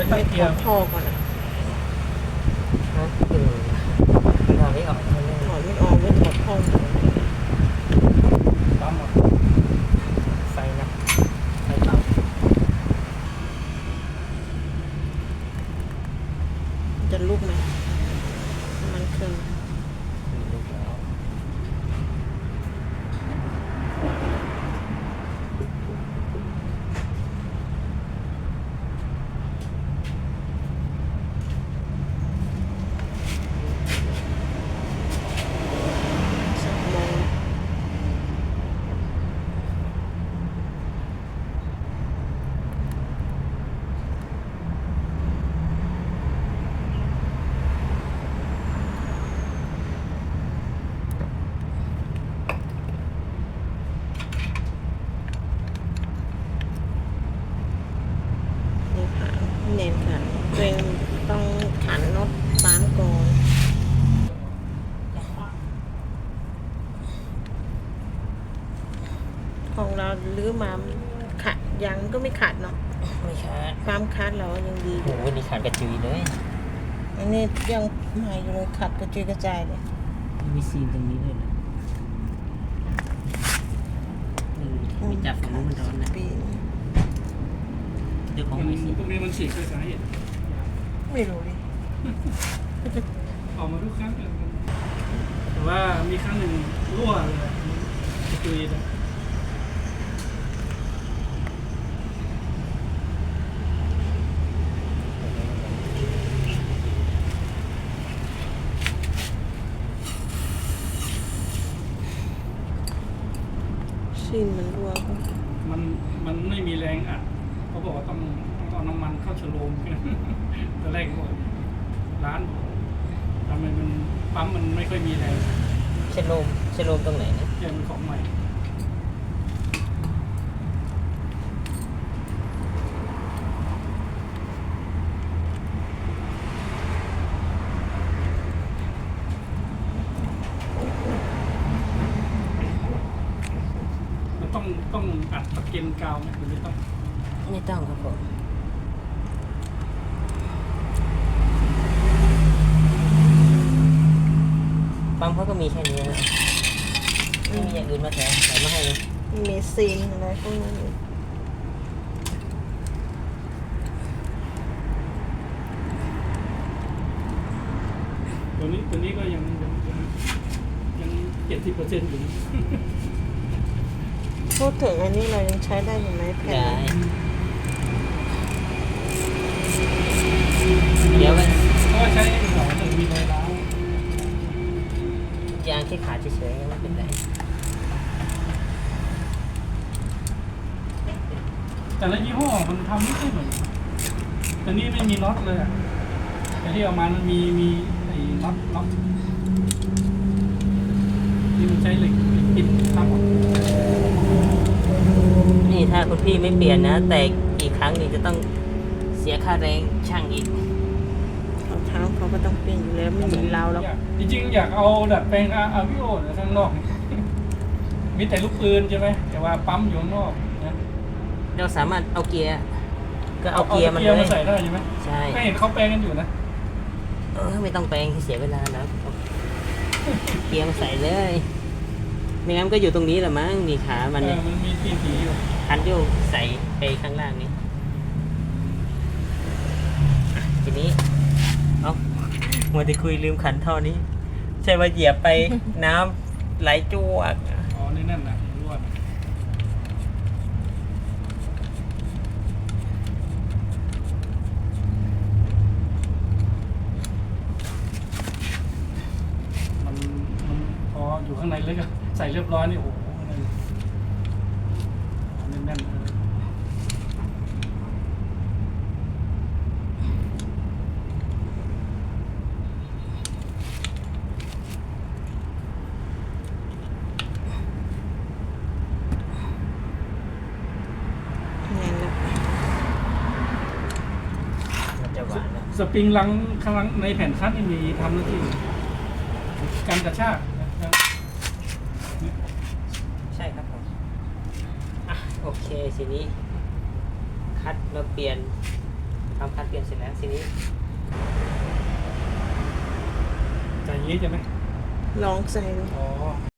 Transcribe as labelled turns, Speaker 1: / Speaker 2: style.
Speaker 1: ไม่ถอดท่อก่อนนะ
Speaker 2: ถอดไม่ออก
Speaker 1: ถอดไม่ออกไม่ถอดท่อ
Speaker 2: ปั๊มหมดไฟนะไฟเป่า
Speaker 1: จะลุกไหมมันเครื่อง
Speaker 2: ลุกแล้ว
Speaker 1: เน้นค่ะตัวเองต้องขันน็อตปั๊มก่อนของเราลื้อมาขัดยังก็ไม่ขัดเนาะ
Speaker 2: ไม่ขาด
Speaker 1: ความคัดเรายังดี
Speaker 2: โอ้โหนี่ขาดกระจุยเลย
Speaker 1: อันนี้ยังใหม่อยู่เลยขัดกระจุยกระจายเลย
Speaker 2: มีซีนตรงนี้ด้วยนะมีจับฝั่งนู้นมันร้อนนะเดี๋ยวของมีซีน
Speaker 3: ตรงนี้มันฉีกด้วยสาเหตุ
Speaker 1: ไม่รู้ดิ
Speaker 3: ออกมาทุกครั้งเลยแต่ว่ามีครั้งหนึ่งรั่วเลยตุยเลย
Speaker 1: ซีนมันรั่ว
Speaker 3: มันไม่มีแรงอัดเขาบอกว่าต้องเอาน้ำมันเข้าฉโลมตอนแรกบอกร้านบอกทำไมมันปั๊มมันไม่ค่อยมีแรง
Speaker 2: เชโลมตรงไหนนะ
Speaker 3: แกมันของใหม่มันต้องอัดตะเกียงกาวไหมหรือไม่ต้อง
Speaker 2: ครับผมปั๊มเขาก็มีแค่นี้นะไม่มีอย่างอื่นมาแถมมาให้เลย
Speaker 1: มีซีนอะไรพวกนั้น
Speaker 3: ตัวนี้ก็ยัง70%อยู่
Speaker 1: พูดถึงอันนี้เรายังใช้ได้อยู่ไหมแผ่น
Speaker 2: เดี๋ยวมัน
Speaker 3: ก็ใช้หัวหนึ่งมีรอยร้าวย
Speaker 2: างที่ขาดเฉยๆยังไม่เป็นไร
Speaker 3: แต่ละยี่ห้อมันทำไม่ใช่เหมือนแต่นี้ไม่มีน็อตเลยอ่ะแต่ที่เอามามันมีไอ้น็อตที่มันใช้เหล็กปิดทั้งหมด
Speaker 2: นี่ถ้าคุณพี่ไม่เปลี่ยนนะแต่อีกครั้งนี่จะต้องเสียค่าแรงช่างอีก
Speaker 1: เท้าเขาก็ต้องเปลี่ยนอยู่แล้วไม่เหมือนเราแล้ว
Speaker 3: จริงๆอยากเอาดัดแปลงอาวิโอข้างนอกมีแต่ลูกปืนใช่ไหมแต่ว่าปั๊มอยู่ข้างนอกนะ
Speaker 2: เราสามารถเอาเกียร์ก็เอาเกียร์มัน
Speaker 3: มาใส่ได้ใช่ไหม
Speaker 2: ใช่
Speaker 3: ก็เห็นเขาแปลงกันอยู่นะ
Speaker 2: ไม่ต้องแปลงเสียเวลาแล้วเกียร์มาใส่เลยไม่งั้นก็อยู่ตรงนี้แหละมั้งมีขามันเนี่ย
Speaker 3: มันมีทีอยู่
Speaker 2: คันโยกใส่ไปข้างล่างนี้ทีนี้เอามัวแต่คุยลืมขันท่อนี้ใช่ว่าเหยียบไปน้ำไหลจวก
Speaker 3: อ๋อนี่นั่นนะรั่วมันพออยู่ข้างในเลยก็ใส่เรียบร้อยนี่โอ้โหแน่นๆสปริงลังข้างในแผ่นคัดมีทำหน้าที่การกระชาก
Speaker 2: ใช่ครับผมโอเคทีนี้คัดมาเปลี่ยนทำคันเปลี่ยนเสร็จแล้วทีนี้
Speaker 3: ใจอย่างนี้ใช่ไหม
Speaker 1: ลองใส่ดู
Speaker 3: อ๋อ